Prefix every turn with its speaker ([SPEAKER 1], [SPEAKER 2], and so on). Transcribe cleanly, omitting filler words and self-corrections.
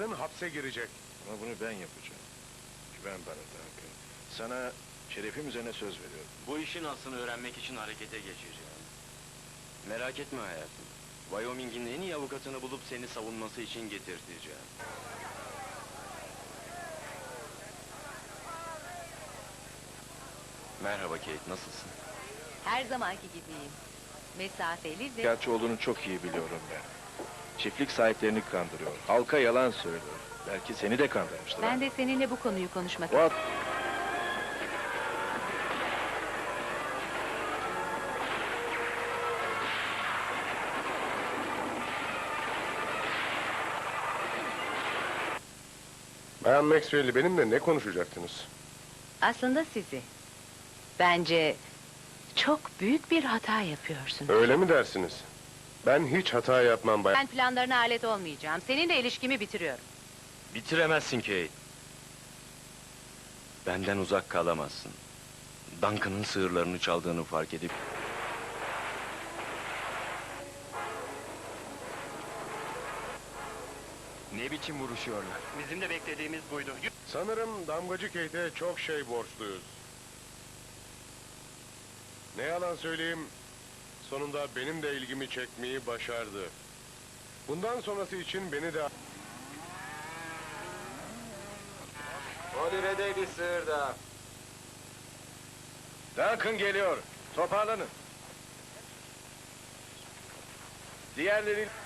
[SPEAKER 1] yarın hapse girecek.
[SPEAKER 2] Ama bunu ben yapacağım. Güven bana Duncan. Sana şerefim üzerine söz veriyorum.
[SPEAKER 3] Bu işin aslını öğrenmek için harekete geçeceğim. Merak etme hayatım. Wyoming'in en iyi avukatını bulup seni savunması için getirteceğim. Merhaba Kate, nasılsın?
[SPEAKER 4] Her zamanki gibiyim. Mesafeli ve...
[SPEAKER 2] Gerçi olduğunu çok iyi biliyorum ben. Çiftlik sahiplerini kandırıyor. Halka yalan söylüyor. Belki seni de kandırmıştır.
[SPEAKER 4] Ben de seninle bu konuyu konuşmak
[SPEAKER 2] What?
[SPEAKER 1] Bayan Maxwell'i benimle ne konuşacaktınız?
[SPEAKER 4] Aslında sizi. Bence çok büyük bir hata yapıyorsun.
[SPEAKER 1] Öyle mi dersiniz? Ben hiç hata yapmam bayan.
[SPEAKER 4] Ben planlarına alet olmayacağım. Seninle ilişkimi bitiriyorum.
[SPEAKER 3] Bitiremezsin Kate. Benden uzak kalamazsın. Duncan'ın sığırlarını çaldığını fark edip... Ne biçim vuruşuyorlar?
[SPEAKER 5] Bizim de beklediğimiz buydu.
[SPEAKER 1] Sanırım damgacı Kate'e çok şey borçluyuz. Ne yalan söyleyeyim, sonunda benim de ilgimi çekmeyi başardı. Bundan sonrası için beni de...
[SPEAKER 3] Olive'de bir sığır daha.
[SPEAKER 2] Duncan geliyor. Toparlanın. Diğerleri...